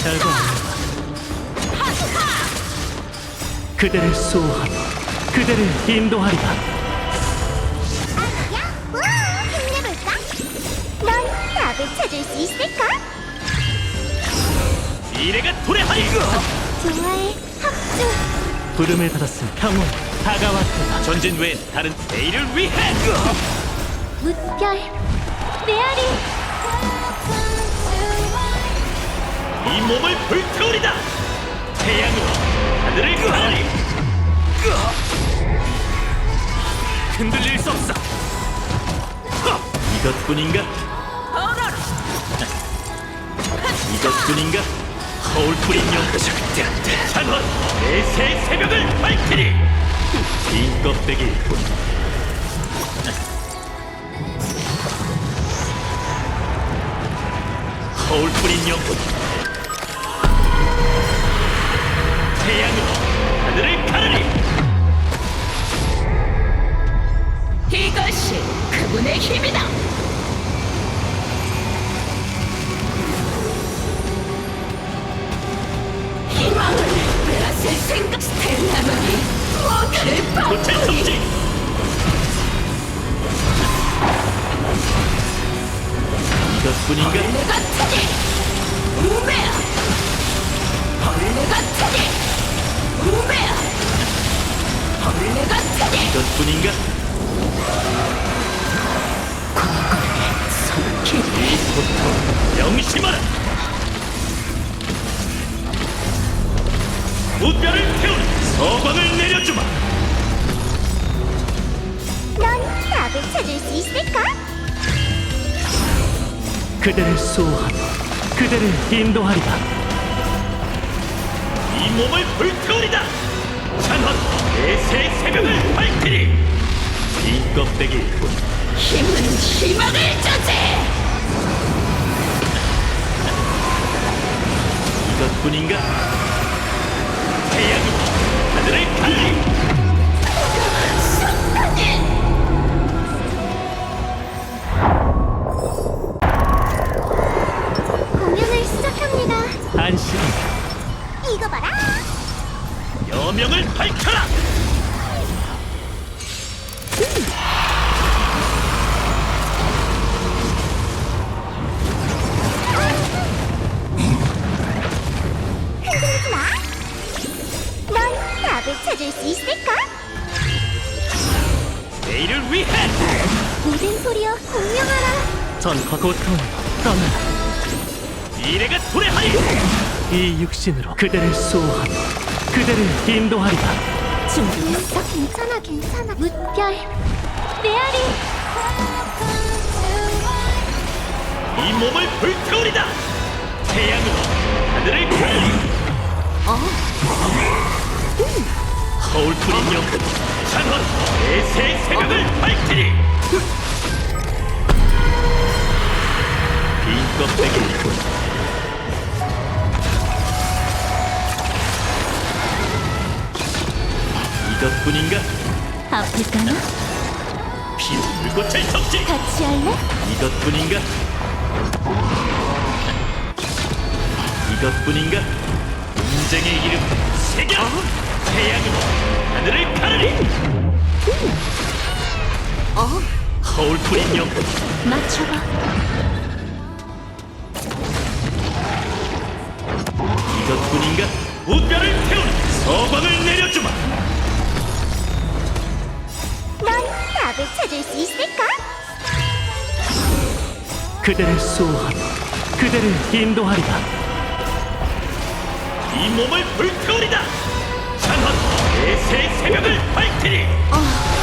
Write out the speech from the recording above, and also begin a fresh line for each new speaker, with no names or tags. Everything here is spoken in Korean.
잘 봐. 그대를 수호하며 그대를 인도하리라.
야, 와, 힘내볼까? 넌 답을 찾을 수 있을까?
미래가 도래하리.
좋아해, 합주.
부름을 받았음 평온 다가왔다. 전진 외엔 다른 내일을 위해.
무별, 메아리.
이 몸을 불태우리다. 태양으로 하늘을 가르리. 흔들릴 수 없어. 이것뿐인가? 이것뿐인가? 허울 뿌린 영 찬원 내새 새벽을 밝히리. 빈 껍데기일 뿐. 허울 뿌린 영혼 태양으로 하늘을 가르리.
이것이 그분의 힘이다. 희망을 빼앗을 생각. 스텔라만이 무엇을
고체 정지. 이것뿐인가?
벌레 같으니 우매야. 벌레 같으니 우매야. 벌레 같으니
이것뿐인가?
손길이
고통 명심하라. 무뼈를 태우는 서광을 내려주마.
넌 답을 찾을 수 있을까?
그대를 수호하며 그대를 인도하리라. 이 몸을 불태우리다. 찬헌 내새 새벽을 밝히리. 빈 껍데기일 뿐.
힘은 희망을 주지.
이것뿐인가? 태양으로 하늘을 가르리.
공연을 시작합니다.
안심
이거 봐라.
여명을 밝혀라.
흔들리지 마. 넌 답을 찾을 수 있을까?
내일을 위해
모든 소리여 공명하라.
전과 고통 떠나라. 미래가 도래하리. 이 육신으로 그대를 수호하며 그대를 인도하리라.
준비됐어? 괜찮아, 괜찮아. 무별, 메아리.
이 몸을 불태우리다. 태양으로 하늘을 가르리. 허울 뿌린 영혼 찬헌 내새 새벽을 밝히리. 빈 껍데기일 뿐. 이것뿐인가?
아플까나?
피로 불꽃을 적지.
같이 할래?
이것뿐인가? 이것뿐인가? 인생의 이름 새겨. 태양으로 하늘을 가르리. 허울 뿌린 영혼
맞춰봐.
이것뿐인가? 무뼈를 태우는 서광을 내려주마.
넌 답을 찾을 수 있을까?
그대를 수호하며 그대를 인도하리라. 이 몸을 불태우리다. 찬헌 내새 새벽을 밝히리.